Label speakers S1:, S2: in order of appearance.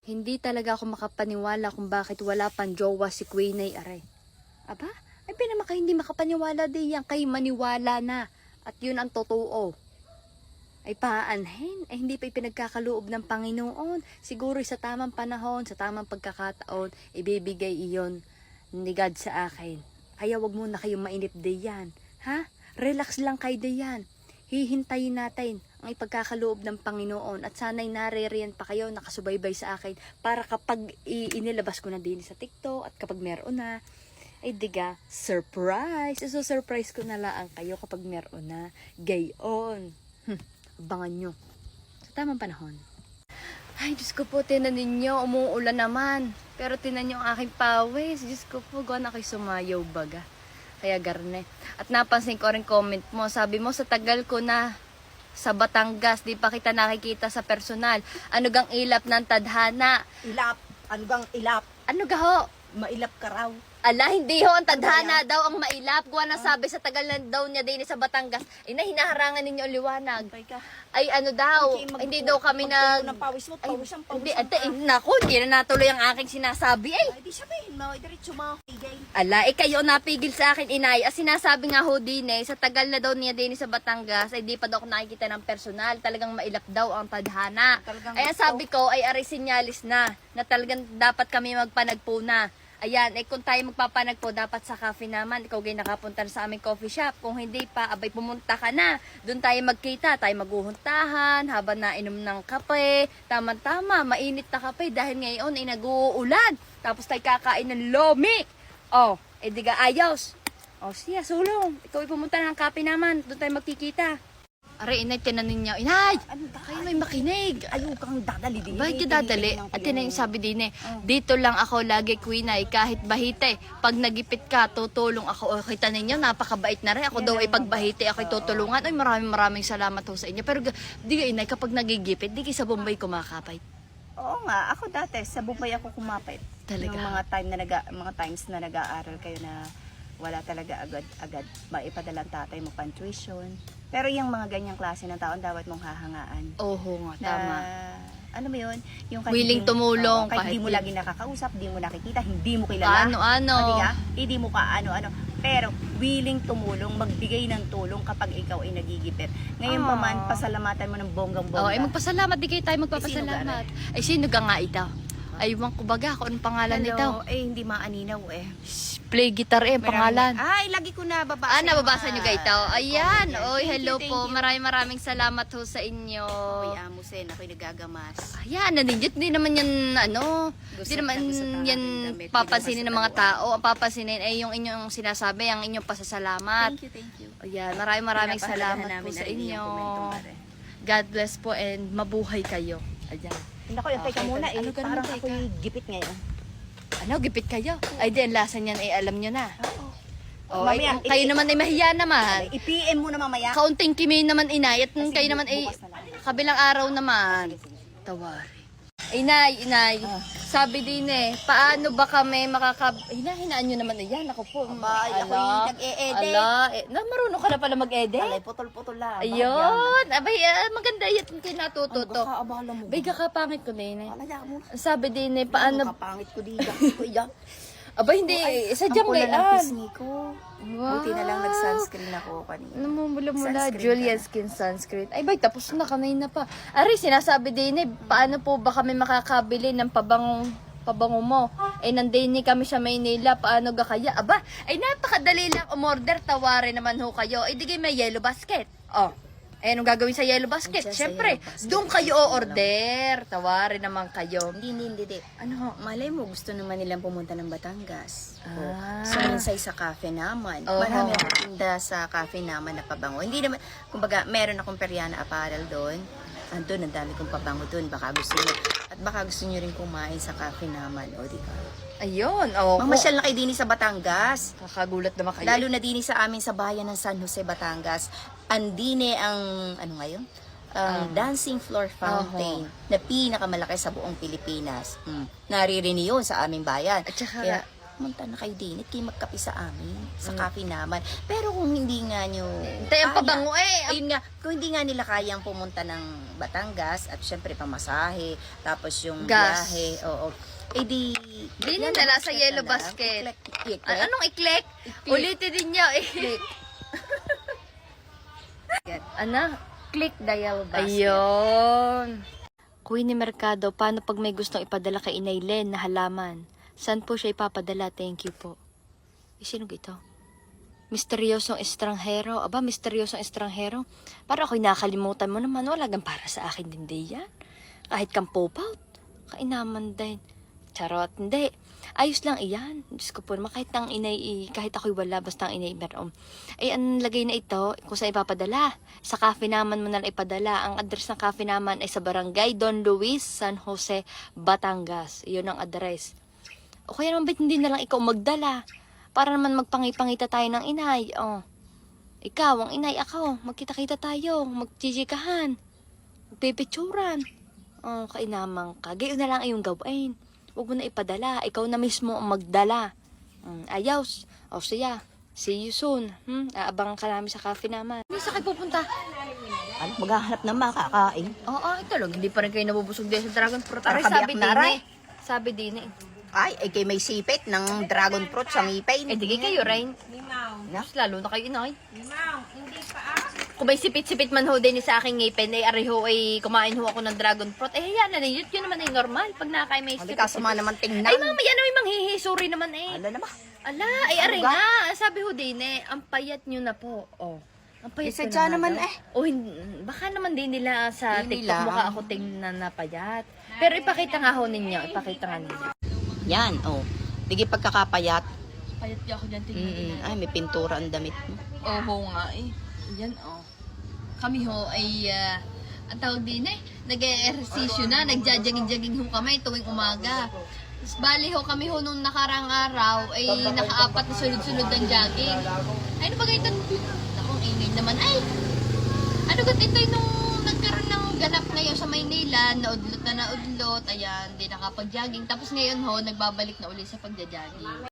S1: Hindi talaga ako makapaniwala kung bakit wala pang jowa si Queen ay aray. Aba, ay pinamaka hindi makapaniwala din yan. Kay maniwala na. At yun ang totoo. Ay paanhin, ay hindi pa ipinagkakaloob ng Panginoon. Siguro sa tamang panahon, sa tamang pagkakataon, ibibigay iyon ni God sa akin. Kaya wag muna kayong mainip diyan. Ha? Relax lang kayo diyan. Hihintayin natin ang ipagkakaloob ng Panginoon at sana'y naririyan pa kayo nakasubaybay sa akin para kapag inilabas ko na din sa TikTok at kapag meron na, ay diga, surprise! So surprise ko na lang kayo kapag meron na. Gayon. Abangan nyo. Sa tamang panahon. Ay, Diyos ko po, tinan ninyo, umuulan naman. Pero tinan nyo ang aking pawis. Diyos ko po, gawin ako'y sumayaw baga. Kaya garne. At napansin ko rin comment mo. Sabi mo, sa tagal ko na sa Batangas, di pa kita nakikita sa personal. Ano gang ilap ng tadhana?
S2: Ilap. Ano gang ilap?
S1: Ano gaho?
S2: Mailap ka raw.
S1: Ala, hindi ho. Ang tadhana daw ang mailap. Gawa na sabi sa tagal na daw niya din sa Batangas. Ina, hinaharangan ninyo ang liwanag.
S2: Pay ka.
S1: Ay, ano daw. Hindi daw kami nag...
S2: Ng pawis mo, pawis ang pawis.
S1: Hindi, ate, naku, hindi na natuloy ang aking sinasabi. Ay,
S2: Ay, di sabihin mo, diretso mo. Igay.
S1: ala, kayo napigil sa akin, inay. As sinasabi nga ho din sa tagal na daw niya din sa Batangas, ay di pa daw ako nakikita ng personal. Talagang mailap daw ang tadhana.
S2: Talagang
S1: Ay, ang sabi ko, ay aray sinyalis na talagang dapat kami magpanagpo na. Ayan, kung tayo magpapanagpo, dapat sa cafe naman. Ikaw gay nakapunta na sa aming coffee shop. Kung hindi pa, abay pumunta ka na. Doon tayo magkita, tayo maguhuntahan, habang nainom ng kape. Tama-tama, mainit na kape dahil ngayon ay nag-uulan. Tapos tayo kakain ng lomi. Oh, diga ayos. Oh, siya, sulong. Ikaw ay pumunta na ng kape naman. Doon tayo magkikita. Aray, inay, tinanin niya. Inay!
S2: Ano ba?
S1: Kayo may makinig.
S2: Ayaw kang dadali din.
S1: Bakit dadali? At yun yung sabi din dito lang ako lagi, Queen ay kahit bahite. Pag nagipit ka, tutulong ako. O, kita ninyo, napakabait na rin. Ako daw ay pagbahite, ako'y tutulungan. Ay, maraming salamat ho sa inyo. Pero di ka inay, kapag nagigipit, di kayo sa Bombay kumakapay.
S2: Oo nga, ako dati sa Bukay ako kumapit.
S1: Talaga?
S2: Yung mga times na nag-aaral kayo na wala talaga agad maipadala ang tatay mo pang tuition. Pero yung mga ganyang klase ng taon dapat mong hahangaan.
S1: Oho nga,
S2: Na,
S1: tama.
S2: ano mo yun? Yung
S1: Willing tumulong,
S2: kahit
S1: kahit
S2: di mo
S1: yun.
S2: lagi nakakausap, di mo nakikita, hindi mo kilala.
S1: Ano?
S2: Hindi mo ka ano. Pero willing tumulong, magbigay ng tulong kapag ikaw ay nagigipit. Ngayon pa man, pasalamatan mo ng bonggang-bongga.
S1: Oh, ay magpasalamat, di kayo tayo magpapasalamat. Ay, sino ka nga ito? Ay, wang kubaga, kung anong pangalan nito?
S2: Eh, hindi maaninaw eh.
S1: Play guitar ang pangalan.
S2: Ay, lagi ko na babasa.
S1: Nababasa nyo kayo ito? Ayan,
S2: comment.
S1: oy,
S2: Thank
S1: hello
S2: you,
S1: po.
S2: thank you.
S1: Maraming salamat ho sa inyo.
S2: Ako'y amusin, ako'y nagagamas.
S1: Ayan, naninjit, di naman yan, di naman yan papansinin ng mga tao. Ang papansinin ay yung inyong sinasabi, ang inyong pasasalamat.
S2: Thank you.
S1: Ayan, maraming salamat po sa inyo. God bless po and mabuhay kayo. Ayan.
S2: Naku, yung teka muna eh.
S1: Ano ganun,
S2: Parang
S1: teka?
S2: ako'y gipit ngayon.
S1: Ano, gipit kayo? Ay, di, ang lasa niyan ay alam nyo na.
S2: Oo.
S1: Oh, ay,
S2: Mamaya,
S1: kayo naman ay mahiya naman.
S2: I-PM mo na mamaya.
S1: Kaunting kimi naman inay at kayo naman ay
S2: bukas na lang.
S1: kabilang araw naman. Tawari. Inay. Sabi din paano ba kami hinahinaan nyo naman yan. Ako po.
S2: Aba, ako'y nag-e-edit.
S1: Marunong ka na pala mag-edit.
S2: Alay, putol-putol lang.
S1: Ayun. Abay, maganda yan kayo natututo.
S2: Abala mo.
S1: Bay, kakapangit ko din
S2: Alaya mo.
S1: Sabi din paano.
S2: Kapangit ko di. Kuya.
S1: Abay, hindi. Sadyang
S2: Ang pula ng
S1: gayan.
S2: pisngi ko. Buti na lang nag-sunscreen ako kanina.
S1: Namumula-mula,
S2: Sunscreen
S1: Julian Skin Sunscreen. Ay, bay, tapos na, kanina pa. Ari, sinasabi din paano po ba kami makakabili ng pabango mo? Nandini kami sa Maynila, paano ga kaya? Aba, ay napakadali lang umorder, tawarin naman ho kayo. Ay, di kayo may yellow basket. Oh, anong gagawin sa yellow basket?
S2: Andiyan sa
S1: Siyempre,
S2: yellow basket.
S1: doon kayo o-order. Tawarin naman kayo.
S2: Hindi.
S1: Ano?
S2: Malay mo, gusto naman nilang pumunta ng Batangas.
S1: Ah.
S2: So, minsay sa cafe naman.
S1: Oo.
S2: Marami akong tinda sa cafe naman na pabango. Hindi naman, kumbaga, meron akong Periana apparel doon. Andun, ang dami kong pabango doon. Baka gusto nyo. At baka gusto nyo rin kumain sa cafe naman. O, di ka.
S1: Ayun. Oh,
S2: Mamasyal na kayo din sa Batangas.
S1: Kakagulat naman kayo.
S2: Lalo na din sa amin sa bayan ng San Jose, Batangas. Andine ang, ano ngayon? Dancing floor fountain na pinakamalaki sa buong Pilipinas. Naririnig yun sa aming bayan.
S1: At saka,
S2: Kaya, Pumunta na kayo din at kayo magkape sa amin, sa cafe naman. Pero kung hindi nga nyo
S1: Tayo ang pabango
S2: ayun nga, kung hindi nga nila kayang pumunta ng Batangas at syempre pamasahe, tapos yung
S1: Gas.
S2: biyahe, oo. Eh di
S1: Dinin na lang sa yellow basket. Anong iklek? Ulitin din niyo.
S2: Click.
S1: Ano?
S2: Click the yellow basket.
S1: Ayun. Queenie Mercado, paano pag may gustong ipadala kay Inay Len na halaman? Saan po siya ipapadala? Thank you po. Sino ito? Misteryosong estranghero. Aba, misteryosong estranghero. Para ako'y nakalimutan mo naman. Wala gan para sa akin din di yan. Kahit kang popout. Kainaman din. Charot. Hindi. Ayos lang iyan. Diyos ko po naman. Kahit ang inay, kahit ako'y wala, basta ang inay meron. Ay, ang lagay na ito, kung saan ipapadala. Sa cafe naman mo na lang ipadala. Ang address ng cafe naman ay sa Barangay Don Luis, San Jose, Batangas. Iyon ang address. O kaya naman ba't hindi na lang ikaw magdala? Para naman magpangipangita tayo ng inay. Oh. Ikaw, ang inay, ako. Magkita-kita tayo. Magchichikahan. Magpipicturan. Oh, kainamang ka. Gayon na lang iyong gawin. Huwag mo na ipadala. Ikaw na mismo ang magdala. Ayaw. O siya. See you soon. Aabangan ka namin sa cafe naman. Hindi sa kayo pupunta?
S2: Ano, maghahanap ng makakain.
S1: Oo, ito lang. Hindi pa rin kayo nabubusog din sa Dragon Fruit.
S2: Para
S1: Aray, sabi
S2: kabiyak na,
S1: din
S2: aray.
S1: eh. Sabi din eh.
S2: Ay, kay may sipit ng dragon fruit sa ngipin.
S1: Eh, di kayo, Rain. Mas lalo na kayo, inay. Kung may sipit-sipit man ho din sa aking ngipin, eh, areho ay kumain ho ako ng dragon fruit. Eh, yan na yun naman ay normal. Pag nakakain may
S2: Hindi
S1: sipit.
S2: kasama naman tingnan.
S1: Ay, mama, yan ay manghihisuri naman eh.
S2: Ano naman?
S1: Ala, ay, aray
S2: Ano ba?
S1: nga. Sabi ho din eh, ang payat nyo na po. Oh. Ang payat ko
S2: Isadya
S1: na
S2: naman
S1: daw.
S2: eh.
S1: O, baka naman din nila sa
S2: Hindi
S1: TikTok
S2: lang.
S1: mukha ako tingnan na payat. Pero ipakita nga ho ninyo. Ipakita nga ninyo.
S2: Yan, oh. Dige pagkakapayat.
S1: Payat niya ako dyan tingnan.
S2: Ay, may pintura ang damit mo.
S1: Oo nga eh. Yan oh. Kami ho ay, ang tawag din eh, nag-ehersisyo na, nagja-jogging-jogging ho kami tuwing umaga. Tapos bali ho kami ho nung nakarang araw ay nakaapat na sunod-sunod ng jogging. Ay, ano ba ganito? Nakong ingay naman. Ay, ano ba ito nung nagkaroon ng ganap ngayon sa Maynila, naudlot na naudlot, ayan, di nakapag-jogging. Tapos ngayon ho, nagbabalik na uli sa pagja-jogging.